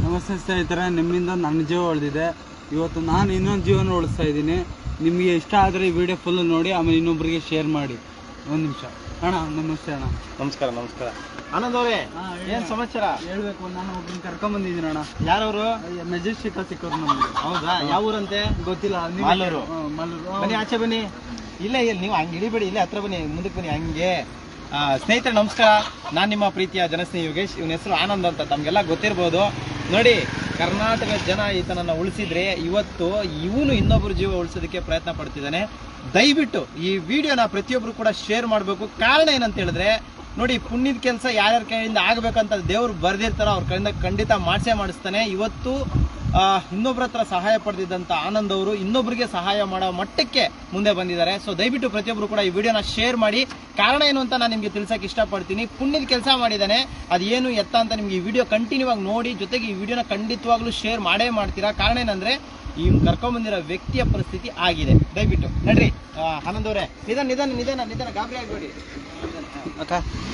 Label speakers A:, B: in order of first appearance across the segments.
A: ನಮಸ್ತೆ ಸ್ನೇಹಿತರೆ, ನಿಮ್ಮಿಂದ ನನ್ನ ಜೀವ ಉಳಿದಿದೆ. ಇವತ್ತು ನಾನು ಇನ್ನೊಂದು ಜೀವನ ಉಳಿಸ್ತಾ ಇದ್ದೀನಿ. ನಿಮಗೆ ಇಷ್ಟ ಆದರೆ ಈ ವಿಡಿಯೋ ಫುಲ್ ನೋಡಿ, ಆಮೇಲೆ ಇನ್ನೊಬ್ಬರಿಗೆ ಶೇರ್ ಮಾಡಿ. ಒಂದು ನಿಮಿಷ ಅಣ್ಣ. ನಮಸ್ತೆ ಅಣ್ಣ.
B: ನಮಸ್ಕಾರ. ನಮಸ್ಕಾರ ಆನಂದ್ ಅವರೇ, ಏನು ಸಮಾಚಾರ?
A: ಹೇಳ್ಬೇಕು, ನಾನು ಒಬ್ಬರನ್ನ ಕರ್ಕೊಂಬಂದಿದ್ದೀನಿ ಅಣ್ಣ.
B: ಯಾರವರು?
A: ಮೆಜೆಸ್ಟಿಕ್ ಸಿಕ್ಕೋರು ನಮಗೆ.
B: ಹೌದಾ? ಯಾವ ಊರಂತೆ?
A: ಗೊತ್ತಿಲ್ಲ.
B: ಮಾಲೂರು.
A: ಮಾಲೂರು.
B: ಬನ್ನಿ, ಆಚೆ ಬನ್ನಿ. ಇಲ್ಲ ನೀವು ಹಂಗೆ ಇಳಿಬೇಡಿ, ಇಲ್ಲೇ ಹತ್ರ ಬನ್ನಿ, ಮುಂದಕ್ಕೆ ಬನ್ನಿ ಹಂಗೆ. ಸ್ನೇಹಿತರೆ ನಮಸ್ಕಾರ, ನಾನು ನಿಮ್ಮ ಪ್ರೀತಿಯ ಜನಸ್ನೇಹಿ ಯೋಗೇಶ್. ಇವನ ಹೆಸರು ಆನಂದ್ ಅಂತ, ತಮಗೆಲ್ಲ ಗೊತ್ತಿರ್ಬೋದು. ನೋಡಿ, ಕರ್ನಾಟಕ ಜನ ಈತನನ್ನು ಉಳಿಸಿದ್ರೆ ಇವತ್ತು ಇವನು ಇನ್ನೊಬ್ಬರು ಜೀವ ಉಳಿಸೋದಕ್ಕೆ ಪ್ರಯತ್ನ ಪಡ್ತಿದ್ದಾನೆ. ದಯವಿಟ್ಟು ಈ ವಿಡಿಯೋನ ಪ್ರತಿಯೊಬ್ಬರು ಕೂಡ ಶೇರ್ ಮಾಡಬೇಕು. ಕಾರಣ ಏನಂತ ಹೇಳಿದ್ರೆ, ನೋಡಿ, ಪುಣ್ಯದ ಕೆಲಸ ಯಾರ್ಯಾರ ಕೈಯಿಂದ ಆಗಬೇಕಂತ ದೇವ್ರು ಬರ್ದಿರ್ತಾರೋ ಅವ್ರ ಕೈಯಿಂದ ಖಂಡಿತ ಮಾಡಿಸ್ತಾನೆ. ಇವತ್ತು ಇನ್ನೊಬ್ಬರ ಹತ್ರ ಸಹಾಯ ಪಡೆದಿದ್ದಂಥ ಆನಂದ್ ಅವರು ಇನ್ನೊಬ್ಬರಿಗೆ ಸಹಾಯ ಮಾಡೋ ಮಟ್ಟಕ್ಕೆ ಮುಂದೆ ಬಂದಿದ್ದಾರೆ. ಸೊ ದಯವಿಟ್ಟು ಪ್ರತಿಯೊಬ್ಬರು ಕೂಡ ಈ ವಿಡಿಯೋನ ಶೇರ್ ಮಾಡಿ. ಕಾರಣ ಏನು ಅಂತ ನಾನು ನಿಮಗೆ ತಿಳ್ಸಕ್ಕೆ ಇಷ್ಟಪಡ್ತೀನಿ. ಪುಣ್ಯದ ಕೆಲಸ ಮಾಡಿದ್ದಾನೆ, ಅದೇನು ಎತ್ತ ಅಂತ ನಿಮ್ಗೆ ಈ ವಿಡಿಯೋ ಕಂಟಿನ್ಯೂ ಆಗಿ ನೋಡಿ, ಜೊತೆಗೆ ಈ ವಿಡಿಯೋನ ಖಂಡಿತವಾಗ್ಲೂ ಶೇರ್ ಮಾಡೇ ಮಾಡ್ತೀರಾ. ಕಾರಣ ಏನಂದ್ರೆ ಈ ಕರ್ಕೊಂಡ್ಬಂದಿರೋ ವ್ಯಕ್ತಿಯ ಪರಿಸ್ಥಿತಿ ಆಗಿದೆ. ದಯವಿಟ್ಟು ನಡ್ರಿ ಆನಂದ್ ಅವರೇ, ನಿಧಾನ ಗಾಬರಿ ಆಗಬೇಡಿ ಅಕ್ಕ.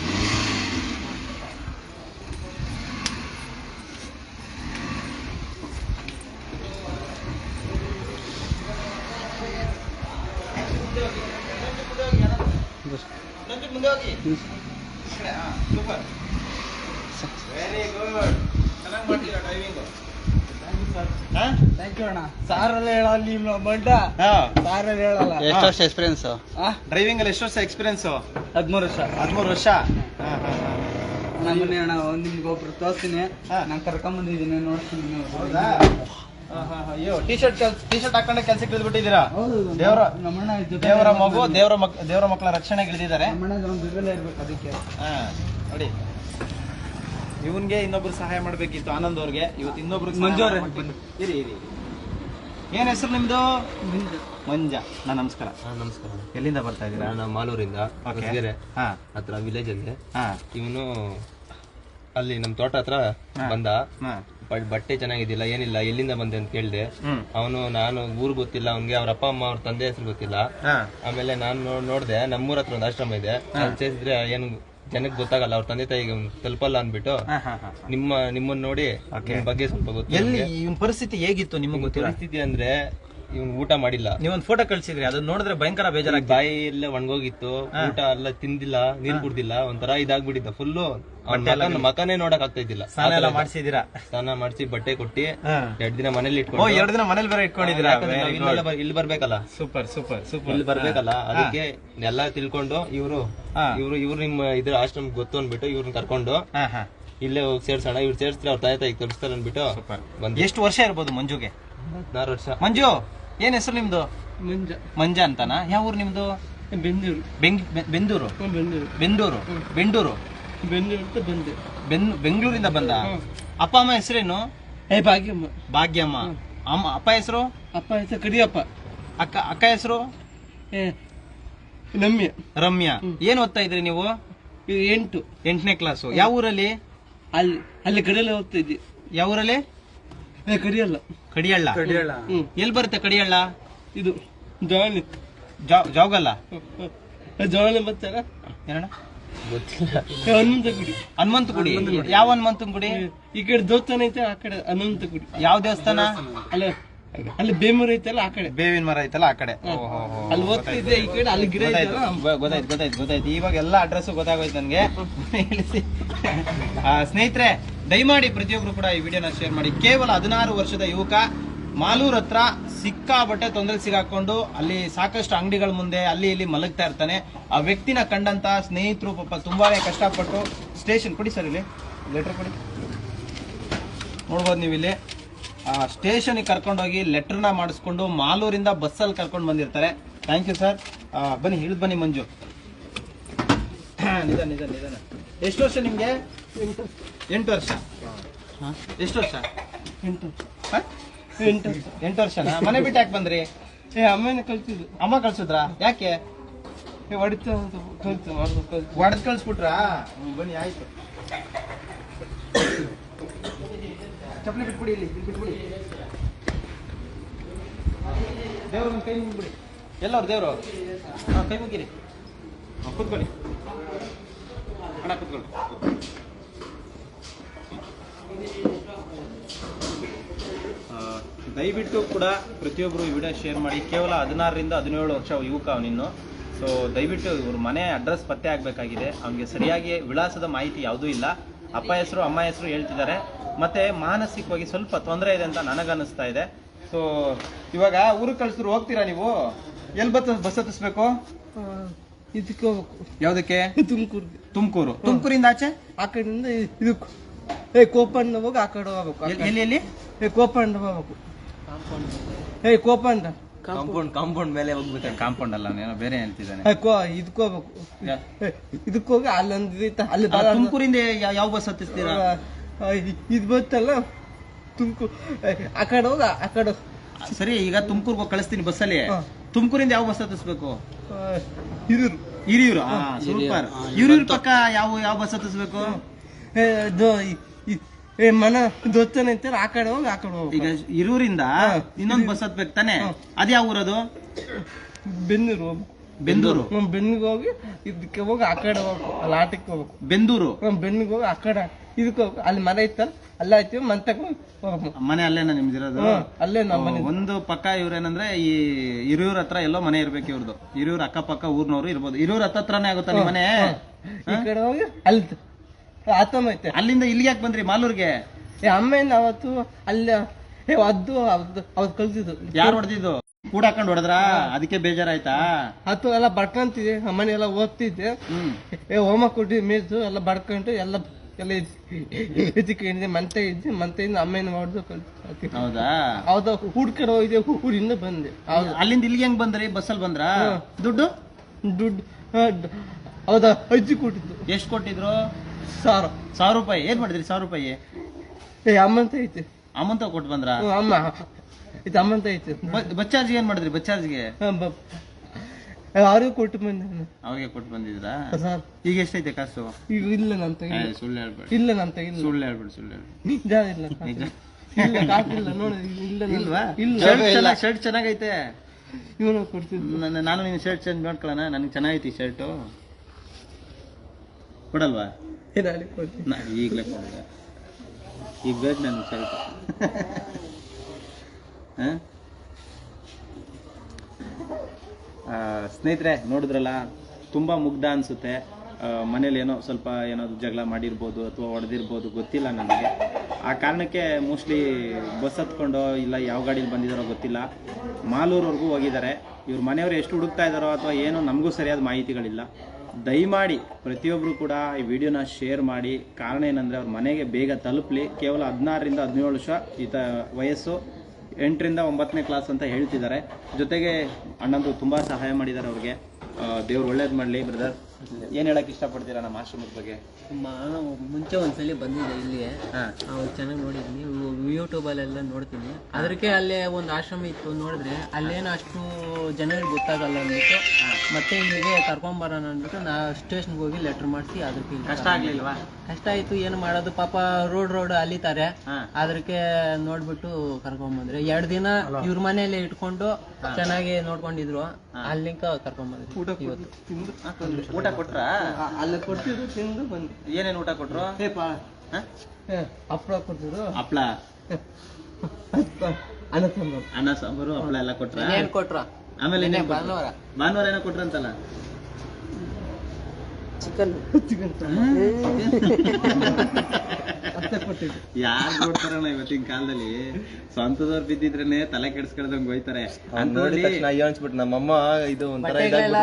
B: ಮುಂದೆ ಹೋಗಿ. ಸೂಪರ್, ವೆರಿ ಗುಡ್, ಚೆನ್ನಾಗಿ ಮಾಡ್ತೀರಾ ಡ್ರೈವಿಂಗ್.
A: ಥ್ಯಾಂಕ್ ಯು ಅಣ್ಣ. ಸಾರಲ್ಲಿ ಹೇಳಲ್ಲ ಬಂಡ, ಸಾರಲ್ಲಿ ಹೇಳಲ್ಲ.
B: ಎಷ್ಟು ವರ್ಷ ಎಕ್ಸ್ಪೀರಿಯನ್ಸ್ ಡ್ರೈವಿಂಗ್ ಅಲ್ಲಿ? ಎಷ್ಟು ವರ್ಷ ಎಕ್ಸ್ಪೀರಿಯನ್ಸ್?
A: 13 ವರ್ಷ.
B: 13 ವರ್ಷ.
A: ಬನ್ನಿ ಅಣ್ಣ, ನಿಮ್ಗೆ ಒಬ್ರು ತೋರಿಸ್ತೀನಿ. ನಾನು ಕರ್ಕೊಂಬಂದಿದ್ದೀನಿ, ನೋಡ್ತೀನಿ.
B: ಅಯ್ಯೋ, ಟಿ ಶರ್ಟ್ ಹಾಕೊಂಡೆ ಕೆಲ್ಸಕ್ಕೆ ಇಳಿದ್ಬಿಟ್ಟಿದ್ದೀರಾ? ದೇವರ ಮಕ್ಕಳ ರಕ್ಷಣೆಗೆ ಇಳಿದಿದ್ದಾರೆ.
A: ಇರ್ಬೇಕು ಅದಕ್ಕೆ.
B: ನೋಡಿ, ಇವನ್ಗೆ ಇನ್ನೊಬ್ರು ಸಹಾಯ ಮಾಡ್ಬೇಕಿತ್ತು ಆನಂದ್ ಅವ್ರಿಗೆ. ಇವತ್ತು ಇನ್ನೊಬ್ರು
A: ಮಂಜು ಅವ್ರೆ,
B: ಇರಿ. ಏನ್ ಹೆಸರು ನಿಮ್ದು? ಮಂಜ. ನಮಸ್ಕಾರ.
C: ನಮಸ್ಕಾರ.
B: ಎಲ್ಲಿಂದ ಬರ್ತಾ ಇದ್ದೀರಾ?
C: ನಾನು ಮಾಲೂರಿಂದ, ಹತ್ರ ವಿಲೇಜ್ ಅಲ್ಲಿ. ಇವನು ಅಲ್ಲಿ ನಮ್ ತೋಟ ಹತ್ರ ಬಂದ. ಬಟ್ಟೆ ಚೆನ್ನಾಗಿದ್ದಿಲ್ಲ, ಏನಿಲ್ಲ, ಎಲ್ಲಿಂದ ಬಂದೆ ಅಂತ ಕೇಳಿದೆ. ಅವನು ನಾನು ಊರ್ ಗೊತ್ತಿಲ್ಲ ಅವನ್ಗೆ, ಅವ್ರ ಅಪ್ಪ ಅಮ್ಮ ಅವ್ರ ತಂದೆ ಹೆಸರು ಗೊತ್ತಿಲ್ಲ. ಆಮೇಲೆ ನಾನು ನೋಡ್ದೆ, ನಮ್ಮೂರ ಹತ್ರ ಒಂದು ಆಶ್ರಮ ಇದೆ, ಅಲ್ಲಿ ಸೇರಿಸಿದ್ರೆ ಏನು ಜನಕ್ಕೆ ಗೊತ್ತಾಗಲ್ಲ, ಅವ್ರ ತಂದೆ ತಾಯಿಗೆ ತಲುಪಲ್ಲ ಅಂದ್ಬಿಟ್ಟು ನಿಮ್ಮನ್ನ ನೋಡಿ ಬಗ್ಗೆ ಸ್ವಲ್ಪ ಗೊತ್ತು.
B: ಇವನ್ ಪರಿಸ್ಥಿತಿ ಹೇಗಿತ್ತು ನಿಮಗೆ ಗೊತ್ತಿಲ್ಲ?
C: ಪರಿಸ್ಥಿತಿ ಅಂದ್ರೆ ಇವನ್ ಊಟ ಮಾಡಿಲ್ಲ.
B: ನೀವೊಂದು ಫೋಟೋ ಕಳ್ಸಿದ್ರಿ, ಅದನ್ನ ನೋಡಿದ್ರೆ ಭಯಂಕರ ಬೇಜಾರಾಗಿ
C: ಬಾಯಿ ಎಲ್ಲ ಒಣಗೋಗಿತ್ತು, ಊಟ ಎಲ್ಲ ತಿಂದಿಲ್ಲ, ನೀರ್ ಕುಡ್ದಿಲ್ಲ, ಒಂಥರ ಇದಾಗ್ಬಿಟ್ಟಿದ್ದ ಫುಲ್ಲು. ಮಕನೇ ನೋಡಕ್ ಆಗ್ತಾ ಇದ್ದಿಲ್ಲ.
B: ಸ್ನಾನ ಮಾಡಿಸಿದೀರಾ?
C: ಸ್ನಾನ ಮಾಡಿಸಿ ಬಟ್ಟೆ ಕೊಟ್ಟಿ 2 ದಿನ ಮನೇಲಿ ಇಟ್ಕೊಂಡು.
B: 2 ದಿನ ಮನೇಲಿ ಬೇರೆ ಇಟ್ಕೊಂಡಿದ್ದೀರಾ?
C: ಇಲ್ಲಿ ಬರ್ಬೇಕಲ್ಲ.
B: ಸೂಪರ್.
C: ಇಲ್ಲಿ ಬರ್ಬೇಕಲ್ಲ, ಅದಕ್ಕೆ ಎಲ್ಲ ತಿಳ್ಕೊಂಡು ಇವ್ರು ನಿಮ್ಮ ಇದ್ರ ಆಶ್ರಮ ಗೊತ್ತು ಅನ್ಬಿಟ್ಟು ಇವ್ರನ್ನ ಕರ್ಕೊಂಡು ಇಲ್ಲೇ ಹೋಗಿ ಸೇರ್ಸೋಣ, ಇವ್ರು ಸೇರ್ಸ್ತಾರೆ ಅವ್ರ ತಾಯಿ ತಾಯಿ ತೋರಿಸ್ತಾರೆ ಅನ್ಬಿಟ್ಟು ಬಂದು.
B: ಎಷ್ಟು ವರ್ಷ ಇರ್ಬೋದು ಮಂಜುಗೆ?
C: 16 ವರ್ಷ.
B: ಮಂಜು, ಏನ್ ಹೆಸರು ನಿಮ್ದು? ಮಂಜ ಅಂತಾನ? ಯಾವ ಊರು ನಿಮ್ದು? ಬೆಂದೂರು. ಬೆಂಗಳೂರಿಂದ ಬಂದ? ಅಪ್ಪ ಅಮ್ಮ ಹೆಸರೇನು? ಭಾಗ್ಯಮ್ಮ. ಅಪ್ಪ ಹೆಸರು?
A: ಕಡಿಯಪ್ಪ.
B: ಅಕ್ಕ ಹೆಸರು? ರಮ್ಯಾ. ಏನ್ ಓದ್ತಾ ಇದ್ರಿ ನೀವು? 8ನೇ ಕ್ಲಾಸು. ಯಾವ ಊರಲ್ಲಿ?
A: ಅಲ್ಲಿ ಕಡಿಯಲ್ಲ ಓದ್ತಾ ಇದ್ದಿ.
B: ಯಾವ ಊರಲ್ಲಿ?
A: ಕಡಿಯಲ್ಲ.
B: ಕಡಿಯಳ್ಳ. ಎಲ್ಲಿ ಬರುತ್ತೆ ಕಡಿಯಳ್ಳ?
A: ಇದು ಜವಾನಿ.
B: ಜಾವಗಲ್ಲ?
A: ಜವಾನಿ ಬರ್ತಾರ
C: ಗೊತ್ತಿಲ್ಲ.
B: ಹನುಮಂತ ಗುಡಿ. ಯಾವ ಹನುಮಂತನ ಗುಡಿ?
A: ಈ ಕಡೆ ದೇವಸ್ಥಾನ ಐತೆ, ಆ ಕಡೆ ಹನುಮಂತ ಗುಡಿ.
B: ಯಾವ ದೇವಸ್ಥಾನ?
A: ಅಲ್ಲಿ ಬೇಮರ ಐತಲ್ಲ, ಆ ಕಡೆ
B: ಬೇವಿನ ಮರ ಐತಲ್ಲ, ಆ ಕಡೆ.
A: ಅಲ್ಲಿ ಓದ್ತಿದ್ದೆ, ಈ ಕಡೆ ಅಲ್ಲಿ ಗಿಡ.
B: ಗೊತ್ತಾಯ್ತು. ಇವಾಗ ಎಲ್ಲ ಅಡ್ರೆಸ್ ಗೊತ್ತಾಗೋಯ್ತು ನನ್ಗೆ. ಸ್ನೇಹಿತರೆ, ದಯಮಾಡಿ ಪ್ರತಿಯೊಬ್ರು ಕೂಡ ಈ ವಿಡಿಯೋನ ಶೇರ್ ಮಾಡಿ. ಕೇವಲ 16 ವರ್ಷದ ಯುವಕ ಮಾಲೂರ್ ಹತ್ರ ಸಿಕ್ಕಾಬಟ್ಟೆ ತೊಂದರೆ ಸಿಗಾಕೊಂಡು ಅಲ್ಲಿ ಸಾಕಷ್ಟು ಅಂಗಡಿಗಳ ಮುಂದೆ ಅಲ್ಲಿ ಇಲ್ಲಿ ಮಲಗ್ತಾ ಇರ್ತಾನೆ. ಆ ವ್ಯಕ್ತಿನ ಕಂಡಂತ ಸ್ನೇಹಿತರು ಪಾಪ ತುಂಬಾನೇ ಕಷ್ಟಪಟ್ಟು ಸ್ಟೇಷನ್ ಕೊಡಿ ಸರ್, ಇಲ್ಲಿ ಲೆಟರ್ ಕೊಡಿ, ನೋಡ್ಬೋದು ನೀವು ಇಲ್ಲಿ. ಸ್ಟೇಷನ್ಗೆ ಕರ್ಕೊಂಡೋಗಿ ಲೆಟರ್ನ ಮಾಡಿಸ್ಕೊಂಡು ಮಾಲೂರಿಂದ ಬಸ್ಸಲ್ಲಿ ಕರ್ಕೊಂಡು ಬಂದಿರ್ತಾರೆ. Thank you sir. ಬನ್ನಿ, ಹಿಡಿದು ಬನ್ನಿ ಮಂಜು. ನಿಧಾನ. ಎಷ್ಟು ವರ್ಷ ನಿಮ್ಗೆ? 8 ವರ್ಷ. ಎಷ್ಟು ವರ್ಷ? 8 ವರ್ಷನಾ? ಮನೆ ಬಿಟ್ಟು ಯಾಕೆ ಬಂದ್ರಿ?
A: ಅಮ್ಮನ ಕಳ್ಸಿದ್ರು.
B: ಅಮ್ಮ ಕಳ್ಸಿದ್ರಾ? ಯಾಕೆ?
A: ಹೊಡಿತ
B: ಹೊಡೆದ್ ಕಳ್ಸ್ಬಿಟ್ರಾ? ಬನ್ನಿ, ಆಯ್ತು. ಚಪ್ಪಲಿ ಬಿಟ್ಬಿಡಿ, ಇಲ್ಲಿ ಬಿಟ್ಬಿಡಿ. ದೇವ್ರ ಕೈ ಮುಗಿಬಿಡಿ. ಎಲ್ಲವ್ರು ದೇವರು? ಕೈ ಮುಗಿರಿ. ಕೂತ್ಕೊಳ್ಳಿ ಅಣ್ಣ, ಕೂತ್ಕೊಳ್ಳಿ. ದಯವಿಟ್ಟು ಕೂಡ ಪ್ರತಿಯೊಬ್ಬರು ಈ ವಿಡಿಯೋ ಶೇರ್ ಮಾಡಿ. ಕೇವಲ 16ರಿಂದ 17 ವರ್ಷ ಯುವಕ ಅವನಿನ್ನು. ಸೊ ದಯವಿಟ್ಟು ಇವ್ರ ಮನೆ ಅಡ್ರೆಸ್ ಪತ್ತೆ ಆಗಬೇಕಾಗಿದೆ. ಅವನಿಗೆ ಸರಿಯಾಗಿ ವಿಳಾಸದ ಮಾಹಿತಿ ಯಾವುದೂ ಇಲ್ಲ. ಅಪ್ಪ ಹೆಸರು ಅಮ್ಮ ಹೆಸರು ಹೇಳ್ತಿದ್ದಾರೆ. ಮತ್ತು ಮಾನಸಿಕವಾಗಿ ಸ್ವಲ್ಪ ತೊಂದರೆ ಇದೆ ಅಂತ ನನಗನ್ನಿಸ್ತಾ ಇದೆ. ಸೊ ಇವಾಗ ಊರಿಗೆ ಕಳಿಸಿದ್ರು ಹೋಗ್ತೀರಾ ನೀವು? ಎಲ್ಲಿ ಬಸ್ ಹತ್ತಿಸ್ಬೇಕು?
A: ಇದಕ್ಕೆ ಹೋಗ್ಬೇಕು.
B: ಯಾವುದಕ್ಕೆ? ತುಮಕೂರು. ತುಮಕೂರಿಂದ ಆಚೆ
A: ಆ ಕಡೆಯಿಂದ ಇದಕ್ಕೆ ಕೋಪಣ್ಣ ಹೋಗಿ ಆ ಕಡೆ ಹೋಗ್ಬೇಕು.
B: ಎಲ್ಲಿ?
A: ಕೋಪಣ್ಣ ಹೋಗ್ಬೇಕು. ಕೋಪಣ್ಣ
C: ಕಾಂಪೌಂಡ್ ಮೇಲೆ ಹೋಗ್ಬೇಕು.
B: ಕಾಂಪೌಂಡ್ ಅಲ್ಲ, ಏನೋ ಬೇರೆ ಹೇಳ್ತಿದ್ದಾನೆ.
A: ಇದಕ್ಕೆ ಹೋಗ್ಬೇಕು. ಇದಕ್ಕೆ ಹೋಗಿ ಅಲ್ಲೊಂದು ಅಲ್ಲಿ
B: ತುಮಕೂರಿಂದ ಯಾವ ಬಸ್ ಹತ್ತಿಸ್ತೀರಾ?
A: ಇದು ಬತ್ತಲ್ಲ ತುಮಕೂರು, ಆ ಕಡೆ ಹೋಗಿ ಆ ಕಡೆ.
B: ಸರಿ, ಈಗ ತುಮಕೂರ್ಗೆ ಹೋಗಿ ಕಳಿಸ್ತೀನಿ ಬಸ್ಸಲ್ಲಿ. ತುಮಕೂರಿಂದ ಯಾವ ಬಸ್ ಹತ್ತಿಸ್ಬೇಕು? ಹಿರಿಯೂರು. ಸೂಪರ್. ಹಿರಿಯೂರು ಪಕ್ಕ ಯಾವ ಬಸ್ ಹತ್ತಿಸ್ಬೇಕು?
A: ಮನ ದೊತ್ತನೆ ಅಂತಾರೆ, ಆ ಕಡೆ ಹೋಗಿ ಆ ಕಡೆ ಹೋಗಿ.
B: ಈಗ ಹಿರಿಯೂರಿಂದ ಇನ್ನೊಂದು ಬಸ್ ಹತ್ಬೇಕು ತಾನೆ? ಅದ್ಯಾವ ಊರದು?
A: ಬೆನ್ನೂರು. ಬೆನ್ನಿಗೆ ಹೋಗಿ ಇದಕ್ಕೆ ಹೋಗಿ ಆ ಕಡೆ ಹೋಗ್ಬೇಕು. ಅಲ್ಲಿ ಆಟಕ್ಕೆ ಹೋಗ್ಬೇಕು.
B: ಬೆಂದೂರು.
A: ಬೆನ್ನಿಗೆ ಹೋಗಿ ಆ ಕಡೆ ಇದಕ್ಕೆ ಹೋಗಿ ಅಲ್ಲಿ ಮನೆ ಇತ್ತಲ್ಲ ಅಲ್ಲ ಆಯ್ತೀವಿ. ಮಂತಕ್ಕೆ ಹೋಗ್ಬೇಕು.
B: ಮನೆ ಅಲ್ಲೇನ ನಿಮ್ದಿರೋದು?
A: ಅಲ್ಲೇ ನಮ್ಮ ಮನೆ.
B: ಒಂದು ಪಕ್ಕ ಇವ್ರೇನಂದ್ರೆ ಈ ಹಿರಿಯೂರ್ ಹತ್ರ ಎಲ್ಲೋ ಮನೆ ಇರ್ಬೇಕು ಇವ್ರದ್ದು. ಹಿರಿಯೂರ್ ಅಕ್ಕಪಕ್ಕ ಊರ್ನವ್ರು ಇರ್ಬೋದು. ಹಿರಿಯೂರ್ ಹತ್ರನೇ ಆಗುತ್ತಾ ನಿಮ್ಮ ಮನೆ?
A: ಈ ಕಡೆ ಹೋಗಿ ಅಲ್ಲಿ ಆತಮ್ಮ ಐತೆ.
B: ಅಲ್ಲಿಂದ ಇಲ್ಲಿಗೆ ಯಾಕೆ ಬಂದ್ರಿ ಮಾಲೂರ್ಗೆ?
A: ಅಮ್ಮೇನ ಅವತ್ತು ಅಲ್ಲಿ ಅವ್ರು ಕಲ್ತಿದ್ದು.
B: ಯಾರು ಹೊಡೆದಿದ್ದು? ಕೂಡ ಹಾಕೊಂಡು ಹೊಡೆದ್ರ? ಅದಕ್ಕೆ ಬೇಜಾರಾಯ್ತಾ?
A: ಅದು ಎಲ್ಲ ಬಡ್ಕೊಂತಿದ್ದೆ. ಅಮ್ಮನೆ ಎಲ್ಲ ಓದ್ತಿದ್ದೆ. ಹೋಮ ಕೊಟ್ಟಿ ಮೇಯ್ದು ಎಲ್ಲ ಬಡ್ಕೊಂಡು ಎಲ್ಲ ಎತ್ತಿಕೊಂಡಿದ್ದೆ. ಮಂತೆಯಿಂದ ಅಮ್ಮೇನ ಹೊಡೆದು ಕಲ್ತಿ.
B: ಹೌದಾ?
A: ಹೌದಾ? ಹುಡ್ಕಡೆ ಹೋಗಿದ್ದೆ. ಊರಿಂದ ಬಂದೆ.
B: ಅಲ್ಲಿಂದ ಇಲ್ಲಿಗೆ ಹೆಂಗ್ ಬಂದ್ರಿ? ಬಸ್ಸಲ್ಲಿ ಬಂದ್ರ? ದುಡ್ಡು
A: ಹೌದಾ? ಅಜ್ಜಿ ಕೊಟ್ಟಿದ್ದು.
B: ಎಷ್ಟು ಕೊಟ್ಟಿದ್ರು?
A: 1000
B: ರೂಪಾಯಿ. ಏನ್ ಮಾಡಿದ್ರಿ 1000 ರೂಪಾಯಿ?
A: ಅಮ್ಮಂತ ಐತೆ.
B: ಅಮ್ಮಂತ ಕೊಟ್ಟು ಬಂದ್ರ?
A: ಅಮ್ಮ ಇದು ಅಮ್ಮಂತ ಐತೆ.
B: ಬಸ್ ಚಾರ್ಜ್ಗೆ ಏನ್ ಮಾಡಿದ್ರಿ? ಬಸ್ ಚಾರ್ಜ್ಗೆ
A: ಅವ್ರಿಗೆ ಕೊಟ್ಟು ಬಂದೆ.
B: ಅವ್ರಿಗೆ ಕೊಟ್ಟು ಬಂದಿದ್ರಾ?
A: ಸರ್
B: ಈಗ ಎಷ್ಟೈತೆ ಕಾಸು?
A: ಈಗ ಇಲ್ಲ ನಂತ.
B: ಸುಳ್ಳು ಹೇಳ್ಬೇಡಿ.
A: ಇಲ್ಲ ನಂತ. ಇಲ್ಲ
B: ಸುಳ್ಳು ಹೇಳ್ಬೇಡಿ.
A: ನಿಜ ಇಲ್ಲ.
B: ನಿಜ
A: ಇಲ್ಲ ಕಾಸಿಲ್ಲ ನೋಡಿ.
B: ಇಲ್ವಾ?
A: ಇಲ್ಲ.
B: ಶರ್ಟ್ ಚೆನ್ನಾಗೈತೆ.
A: ಇವನು ಕೊಡ್ತಿದ್ದು.
B: ನಾನು ನಿನ್ನ ಶರ್ಟ್ ಚೇಂಜ್ ಮಾಡ್ಕೊಳ್ಳೋಣ? ನನಗೆ ಚೆನ್ನಾಗೈತಿ ಶರ್ಟು. ಕೊಡಲ್ವಾ? ಈಗಲೇ ಕೊಡಿದೆ. ಈಗ ಬೇಕು ನನಗೆ ಶರ್ಟ್. ಸ್ನೇಹಿತರೆ ನೋಡಿದ್ರಲ್ಲ, ತುಂಬ ಮುಗ್ಧ ಅನಿಸುತ್ತೆ. ಮನೇಲಿ ಸ್ವಲ್ಪ ಏನಾದ್ರು ಜಗಳ ಮಾಡಿರ್ಬೋದು ಅಥವಾ ಹೊಡೆದಿರ್ಬೋದು, ಗೊತ್ತಿಲ್ಲ ನನಗೆ. ಆ ಕಾರಣಕ್ಕೆ ಮೋಸ್ಟ್ಲಿ ಬಸ್ ಹತ್ಕೊಂಡು ಇಲ್ಲ ಯಾವ ಗಾಡೀಲಿ ಬಂದಿದ್ದಾರೋ ಗೊತ್ತಿಲ್ಲ, ಮಾಲೂರವರೆಗೂ ಹೋಗಿದ್ದಾರೆ. ಇವ್ರ ಮನೆಯವರು ಎಷ್ಟು ಹುಡುಕ್ತಾ ಇದ್ದಾರೋ ಅಥವಾ ಏನೋ ನಮಗೂ ಸರಿಯಾದ ಮಾಹಿತಿಗಳಿಲ್ಲ. ದಯಮಾಡಿ ಪ್ರತಿಯೊಬ್ಬರು ಕೂಡ ಈ ವಿಡಿಯೋನ ಶೇರ್ ಮಾಡಿ. ಕಾರಣ ಏನಂದರೆ ಅವ್ರ ಮನೆಗೆ ಬೇಗ ತಲುಪಲಿ. ಕೇವಲ 16ರಿಂದ 17 ವರ್ಷ ವಯಸ್ಸು, 8ರಿಂದ 9ನೇ ಕ್ಲಾಸ್ ಅಂತ ಹೇಳ್ತಿದ್ದಾರೆ. ಜೊತೆಗೆ ಅಣ್ಣಂದ್ರು ತುಂಬ ಸಹಾಯ ಮಾಡಿದ್ದಾರೆ ಅವ್ರಿಗೆ. ದೇವ್ರು ಒಳ್ಳೇದು ಮಾಡಲಿ. ಬ್ರದರ್, ಏನು ಹೇಳಕ್ಕೆ ಇಷ್ಟಪಡ್ತೀರಾ ನಮ್ಮ ಆಶ್ರಮದ ಬಗ್ಗೆ?
D: ನಾನು ಮುಂಚೆ ಒಂದ್ಸಲಿ ಬಂದಿದ್ದೆ ಇಲ್ಲಿಗೆ. ಅವ್ರು ಚೆನ್ನಾಗಿ ನೋಡಿದ್ದೀನಿ, ಯೂಟ್ಯೂಬಲ್ಲೆಲ್ಲ ನೋಡ್ತೀನಿ. ಅದಕ್ಕೆ ಅಲ್ಲೇ ಒಂದು ಆಶ್ರಮ ಇತ್ತು, ನೋಡಿದ್ರೆ ಅಲ್ಲೇನು ಅಷ್ಟು ಜನರಿಗೆ ಗೊತ್ತಾಗಲ್ಲ ಅಂದ್ಬಿಟ್ಟು ಮತ್ತೆ ಇಲ್ಲಿಗೆ ಕರ್ಕೊಂಬರೋಣ ಅಂದ್ಬಿಟ್ಟು ನಾ ಸ್ಟೇಷನ್ಗೆ ಹೋಗಿ ಲೆಟ್ರ್ ಮಾಡಿಸಿ ಅದಕ್ಕೆ.
B: ಕಷ್ಟ ಆಗ್ಲಿಲ್ವಾ?
D: ಕಷ್ಟ ಆಯ್ತು, ಏನು ಮಾಡೋದು, ಪಾಪ ರೋಡ್ ಅಲಿತಾರೆ. ಅದಕ್ಕೆ ನೋಡ್ಬಿಟ್ಟು ಕರ್ಕೊಂಬಂದ್ರೆ 2 ದಿನ ಇವ್ರ ಮನೆಯಲ್ಲೇ ಇಟ್ಕೊಂಡು ಚೆನ್ನಾಗಿ ನೋಡ್ಕೊಂಡಿದ್ರು. ಅಲ್ಲಿಂಕ ಕರ್ಕೊಂಬಂದ್ರಿ.
B: ಊಟ ಕೊಟ್ರ?
A: ಅಲ್ಲ ಕೊಡ್ತಿದ್ರು, ತಿಂದು ಬಂದು.
B: ಏನೇನು ಊಟ ಕೊಟ್ರು?
A: ಹಪ್ಪಳ ಕೊಡ್ತಿದ್ರು.
B: ಹಪ್ಳ, ಅನ್ನ ಸಾಂಬಾರು, ಹಪ್ಪಳ ಎಲ್ಲ ಕೊಟ್ರ?
D: ಏನ್ ಕೊಟ್ರ?
B: ಆಮೇಲೆ ಭಾನುವಾರ ಏನೋ ಕೊಟ್ರಂತಲ್ಲ?
D: ಚಿಕನ್.
B: ಯಾರು ಕೊಡ್ತಾರಣ್ಣ ಇವತ್ತಿನ ಕಾಲದಲ್ಲಿ? ಸ್ವಂತದವ್ರು ಬಿದ್ದಿದ್ರೇನೆ ತಲೆ ಕೆಡ್ಸ್ಕೊಳ್ದಂಗ್ ಹೋಯ್ತಾರೆ.
C: ಅನ್ಸ್ಬಿಟ್ಟು ನಮ್ಮಮ್ಮ ಇದು ಒಂಥರ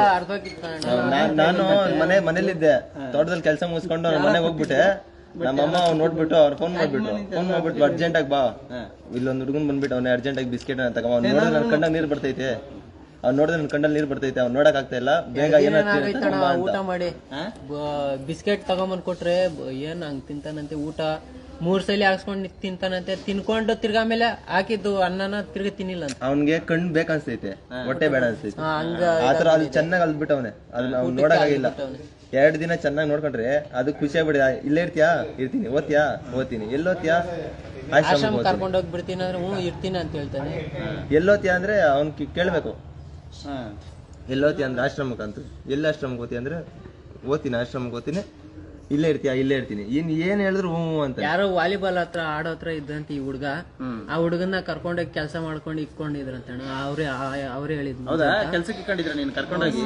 C: ನಾನು ಮನೇಲಿದ್ದೆ, ತೋಟದಲ್ಲಿ ಕೆಲಸ ಮುಗಿಸ್ಕೊಂಡು ಮನೆಗೆ ಹೋಗ್ಬಿಟ್ಟೆ. ನಮ್ಮಮ್ಮ ನೋಡ್ಬಿಟ್ಟು ಅವ್ರು ಫೋನ್ ಮಾಡ್ಬಿಟ್ಟು ಅರ್ಜೆಂಟ್ ಆಗಿ ಬಾ, ಇಲ್ಲೊಂದು ಹುಡುಗನ್ ಬಂದ್ಬಿಟ್ಟು ಅವ್ನ ಅರ್ಜೆಂಟ್ ಆಗಿ ಬಿಸ್ಕೆಟ್ ಅಂತ ನೋಡಿದ್ರೆ ನನ್ ಕಣ್ಣಾಗ ನೀರ್ ಬರ್ತೈತೆ. ಅವ್ನು ನೋಡಿದ್ರೆ ನನ್ ಕಣ್ಣಲ್ಲಿ ನೀರ್ ಬರ್ತೈತೆ. ಅವ್ನು ನೋಡಕ್ ಆಗ್ತಾ ಇಲ್ಲ. ಬೇಗ
D: ಊಟ ಮಾಡಿ ಬಿಸ್ಕೆಟ್ ತಗೊಂಬಂದ್ ಕೊಟ್ರೆ ಏನ್ ಹಂಗ್ ತಿಂತಾನಂತೆ. ಊಟ 3 ಸಲ ಹಾಕ್ಸ್ಕೊಂಡ್ ತಿಂತಾನಂತೆ. ತಿನ್ಕೊಂಡು ತಿರ್ಗಾ ಮೇಲೆ ಹಾಕಿದ್ದು ಅನ್ನನ ತಿರ್ಗಿ ತಿನ್ನಿಲ್ಲ ಅಂತ.
C: ಅವ್ನ್ಗೆ ಕಣ್ಣು ಬೇಕನ್ಸ್ತೈತೆ, ಹೊಟ್ಟೆ ಬೇಡ ಅನ್ಸ್ತೈತೆ. ಆತರ ಅದು ಚೆನ್ನಾಗಿ ಅಲ್ಬಿಟ್ಟವನೆ. ಅದನ್ನ ಅವ್ನು ನೋಡಕ್ಕಾಗಿಲ್ಲ. 2 ದಿನ ಚೆನ್ನಾಗಿ ನೋಡ್ಕೊಂಡ್ರೆ ಅದು ಖುಷಿ ಆಗ್ಬಿಡಿ. ಇಲ್ಲೇ ಇರ್ತೀಯಾ? ಇರ್ತೀನಿ. ಓದ್ತೀಯಾ? ಓದ್ತೀನಿ. ಎಲ್ಲೋತ್ಯಾ?
D: ಆಶ್ರಮ ಕರ್ಕೊಂಡು ಹೋಗ್ಬಿಡ್ತೀನಿ ಅಂದ್ರೆ ಇರ್ತೀನಿ ಅಂತ ಹೇಳ್ತಾನೆ.
C: ಎಲ್ಲೋತ್ಯಾ ಅಂದ್ರೆ ಅವ್ನ್ ಕೇಳ್ಬೇಕು. ಎಲ್ಲೋತಿ ಅಂದ್ರೆ ಆಶ್ರಮಕ್ಕೆ ಅಂತ. ಎಲ್ಲಿ ಆಶ್ರಮಕ್ಕೆ ಓದ್ತಿ ಅಂದ್ರೆ ಓದ್ತೀನಿ, ಆಶ್ರಮಕ್ಕೆ ಓದ್ತೀನಿ, ಇಲ್ಲೇ ಇರ್ತೀಯ ಇಲ್ಲೇ ಇರ್ತೀನಿ ಏನ್ ಹೇಳಿದ್ರು ಹ್ಞೂ ಅಂತ.
D: ಯಾರೋ ವಾಲಿಬಾಲ್ ಹತ್ರ ಆಡೋ ಹತ್ರ ಇದ್ದಂತ ಈ ಹುಡುಗ, ಆ ಹುಡುಗನ್ನ ಕರ್ಕೊಂಡೋಗಿ ಕೆಲಸ ಮಾಡ್ಕೊಂಡು ಇಕ್ಕೊಂಡಿದ್ರಂತ ಅವ್ರೇ ಹೇಳಿದ್ರು.
B: ಹೌದಾ? ಕೆಲ್ಸಕ್ಕೆ ಇಟ್ಕೊಂಡಿದ್ರ ನೀನ್ ಕರ್ಕೊಂಡೋಗಿ?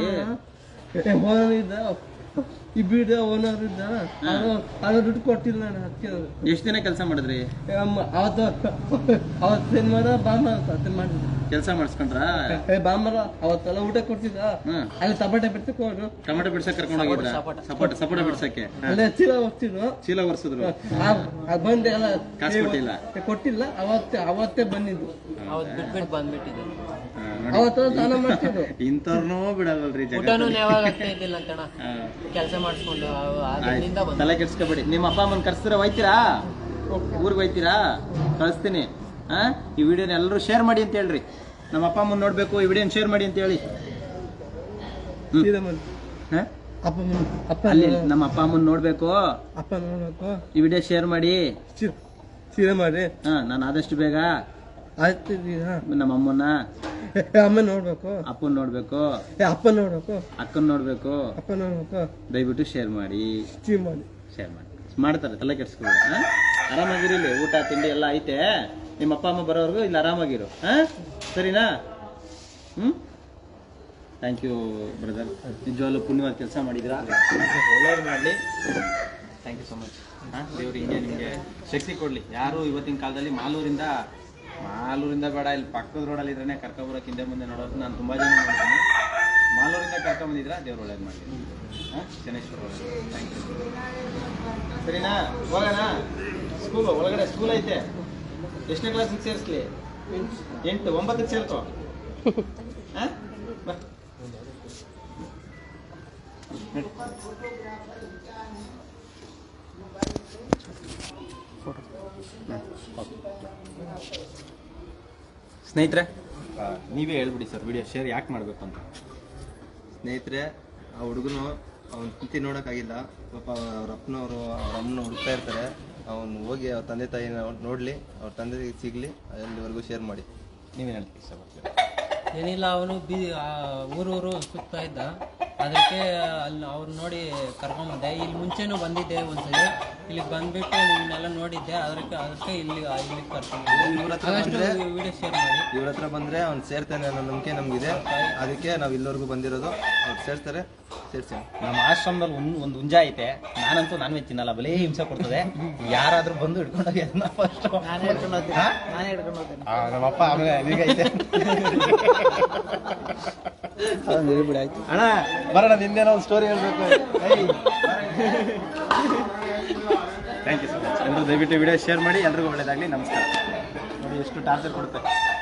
E: ಈ ಬೀಡ ಓನರ್ ಇದ್ದ, ಅದು ದುಡ್ಡು ಕೊಟ್ಟಿಲ್ಲ ನಾನು. ಅದಕ್ಕೆ
B: ಎಷ್ಟ್ ದಿನ ಕೆಲಸ ಮಾಡಿದ್ರಿ?
E: ಅವತ್ತೇನ್ ಮಾಡ ಬಾಂಬ ಮಾಡಿದ್ರು
B: ಕೆಲಸ ಮಾಡಿಸ್ಕೊಂಡ್ರ?
E: ಬಾಂಬರ ಅವತ್ತೆಲ್ಲ ಊಟ ಕೊಡ್ತಿದ್ದ. ಅಲ್ಲಿ ಟಮಾಟೆ ಬಿಡ್ಸಕ್ ಹೋದ್ರು.
B: ಟೊಮೆಟೊ ಬಿಡ್ಸಕ್ ಕರ್ಕೊಂಡು ಹೋಗಿದ್ರ? ಸಪೋಟ ಬಿಡ್ಸಕ್ಕೆ
E: ಅಲ್ಲೇ ಚೀಲ ಹೊರ್ತಿದ್ರು.
B: ಚೀಲ ಒರ್ಸಿದ್ರು?
E: ಬಂದೆ ಎಲ್ಲ
B: ಕಾಸು
E: ಕೊಟ್ಟಿಲ್ಲ. ಅವತ್ತೇ ಬಂದಿದ್ದು.
D: ಅವತ್ ಬಿಟ್ಬಿಟ್ಟು ಬಂದ್ಬಿಟ್ಟಿದೆ.
E: ಅವತ್ತು ಸ್ನಾನ ಮಾಡ್ತಿದ್ರು.
B: ಇಂಥವ್ರನ್ನೂ ಬಿಡಲ್ರಿ
D: ಊಟನೂ ಯಾವಾಗ ಆಗ್ತಾ ಇದ್ದಿಲ್ಲ ಅಂತಣ, ಕೆಲಸ ಮಾಡಿಸ್ಕೊಂಡು ಅದರಿಂದ
B: ತಲೆ ಕೆಡ್ಸ್ಕೊಬೇಡಿ. ನಿಮ್ಮ ಅಪ್ಪ ಅಮ್ಮನ್ ಕರ್ಸಿದ್ರೆ ಹೋಯ್ತೀರಾ? ಊರಿಗೆ ಹೋಯ್ತೀರಾ? ಕಳಿಸ್ತೀನಿ. ಈ ವಿಡಿಯೋನ ಎಲ್ಲರೂ ಶೇರ್ ಮಾಡಿ ಅಂತ ಹೇಳ್ರಿ. ನಮ್ಮ ಅಪ್ಪ ಅಮ್ಮನ್ ನೋಡ್ಬೇಕು, ಈ ವಿಡಿಯೋನ ಶೇರ್ ಮಾಡಿ ಅಂತ ಹೇಳಿ. ಅಲ್ಲಿ ನಮ್ಮ ಅಪ್ಪ ಅಮ್ಮನ್ ನೋಡ್ಬೇಕು,
E: ಅಪ್ಪ ನೋಡ್ಬೇಕು,
B: ಈ ವಿಡಿಯೋ ಶೇರ್ ಮಾಡಿ.
E: ಸೀರೆ ಮಾಡಿ.
B: ನಾನು ಆದಷ್ಟು ಬೇಗ
E: ಆಯ್ತು.
B: ನಮ್ಮ ಅಮ್ಮನ್ನ
E: ಅಮ್ಮ ನೋಡ್ಬೇಕು,
B: ಅಪ್ಪನ್ ನೋಡ್ಬೇಕು,
E: ಅಪ್ಪ ನೋಡ್ಬೇಕು,
B: ಅಕ್ಕನ್ ನೋಡ್ಬೇಕು.
E: ಅಪ್ಪ ನೋಡ್ಬೇಕು.
B: ದಯವಿಟ್ಟು ಶೇರ್ ಮಾಡಿ.
E: ಶೇರ್ ಮಾಡಿ.
B: ಮಾಡ್ತಾರೆ, ತಲೆ ಕೆಡ್ಸ್ಕೊಬೇಡಿ. ಆರಾಮಾಗಿರಿ. ಇಲ್ಲಿ ಊಟ ತಿಂಡಿ ಎಲ್ಲ ಐತೆ. ನಿಮ್ಮ ಅಪ್ಪ ಅಮ್ಮ ಬರೋವರೆಗೂ ಇಲ್ಲಿ ಆರಾಮಾಗಿರು. ಸರಿನಾ? Thank you brother. ನಿಜವಾಗ್ಲೂ ಪುಣ್ಯವಾದ ಕೆಲಸ ಮಾಡಿದಿರಾ. ಒಳ್ಳೇದು ಮಾಡಲಿ. Thank you so much. ದೇವ್ರು ಹಿಂಗೆ ನಿಮಗೆ ಶಕ್ತಿ ಕೊಡಲಿ. ಯಾರು ಇವತ್ತಿನ ಕಾಲದಲ್ಲಿ ಮಾಲೂರಿಂದ ಬೇಡ, ಇಲ್ಲಿ ಪಕ್ಕದ ರೋಡಲ್ಲಿ ಇದ್ರೆ ಕರ್ಕೊಬರೋಕೆ ಹಿಂದೆ ಮುಂದೆ ನೋಡೋದು ನಾನು ತುಂಬ ಜನ ನೋಡ್ತೀನಿ. ಮಾಲೂರಿಂದ ಕರ್ಕೊಂಬಂದಿದ್ರ, ದೇವ್ರು ಒಳ್ಳೇದು ಮಾಡಲಿ. ಶನೇಶ್ವರ ಒಳ್ಳೇದು. Thank you. ಸರಿನಾ? ಹೋಗೋಣ. ಸ್ಕೂಲ್ ಒಳಗಡೆ ಸ್ಕೂಲ್ ಐತೆ. ಎಷ್ಟನೇ ಕ್ಲಾಸಿಗೆ ಸೇರಿಸ್ಲಿ? 8, 9ಕ್ಕೆ ಸೇರ್ಕೋ. ಬಾ. ಸ್ನೇಹಿತರೆ, ನೀವೇ ಹೇಳ್ಬಿಡಿ ಸರ್ ವಿಡಿಯೋ ಶೇರ್ ಯಾಕೆ ಮಾಡಬೇಕು ಅಂತ.
C: ಸ್ನೇಹಿತರೆ, ಆ ಹುಡುಗನು ಅವ್ನ ಕುಂತಿ ನೋಡೋಕ್ಕಾಗಿಲ್ಲ. ಪಾಪ ಅವ್ರ ಅಪ್ಪನವರು ಅವ್ರ ಅಮ್ಮನ ಹುಡುಕ್ತಾ ಇರ್ತಾರೆ. ಅವನು ಹೋಗಿ ಅವ್ರ ತಂದೆ ತಾಯಿನ ನೋಡಲಿ, ಅವ್ರ ತಂದೆ ಸಿಗಲಿ, ಅಲ್ಲಿವರೆಗೂ ಶೇರ್ ಮಾಡಿ.
B: ನೀವೇನು ಹೇಳ್ತೀವಿ ಇಷ್ಟಪಡ್ತೀವಿ?
D: ಏನಿಲ್ಲ, ಅವನು ಊರೂರು ಸುತ್ತಾ ಇದ್ದ. ಅದಕ್ಕೆ ಅಲ್ಲಿ ಅವ್ರು ನೋಡಿ ಕರ್ಕೊಂಬಂದೆ. ಇಲ್ಲಿ ಮುಂಚೆನೂ ಬಂದಿದ್ದೆ ಒಂದ್ಸಲಿ, ಇಲ್ಲಿಗೆ ಬಂದ್ಬಿಟ್ಟು ನಿಮ್ಮನ್ನೆಲ್ಲ ನೋಡಿದ್ದೆ. ಅದಕ್ಕೆ ಇಲ್ಲಿ ಕರ್ಕೊಂಡ್ಬಂದೆ. ವಿಡಿಯೋ ಶೇರ್ ಮಾಡಿ.
C: ಇವ್ರ ಹತ್ರ ಬಂದರೆ ಅವ್ನು ಸೇರ್ತಾನೆ ಅನ್ನೋ ನಂಬಿಕೆ ನಮಗಿದೆ. ಅದಕ್ಕೆ ನಾವು ಇಲ್ಲಿವರೆಗೂ ಬಂದಿರೋದು. ಅವ್ರು ಸೇರ್ತಾರೆ, ಸೇರ್ಸಿ.
B: ನಮ್ಮ ಆಶ್ರಮದಲ್ಲಿ ಒಂದು ಹುಂಜ ಐತೆ. ನಾನಂತೂ ನಾನ್ ವೆಜ್ ತಿನ್ನಲ್ಲ, ಬಲೇ ಹಿಂಸೆ ಕೊಡ್ತದೆ. ಯಾರಾದ್ರೂ ಬಂದು ಹಿಡ್ಕೊಂಡೋಗಿ ಅದನ್ನ ಫಸ್ಟ್
D: ನಾನೇ ಹಿಡ್ಕೊಂಡು ಹೋಗ್ತೇನೆ.
B: ನಮ್ಮಪ್ಪ ಆಮೇಲೆ ಈಗ ಐತೆ. ಅಣ್ಣ ಬರೋಣ, ನಿಂದೇನೋ ಒಂದು ಸ್ಟೋರಿ ಹೇಳ್ಬೇಕು. Thank you so much. ಎಲ್ಲರೂ ದಯವಿಟ್ಟು ವಿಡಿಯೋ ಶೇರ್ ಮಾಡಿ. ಎಲ್ರಿಗೂ ಒಳ್ಳೇದಾಗಲಿ. ನಮಸ್ಕಾರ. ನೋಡಿ ಎಷ್ಟು ಟಾರ್ಚರ್ ಕೊಡುತ್ತೆ.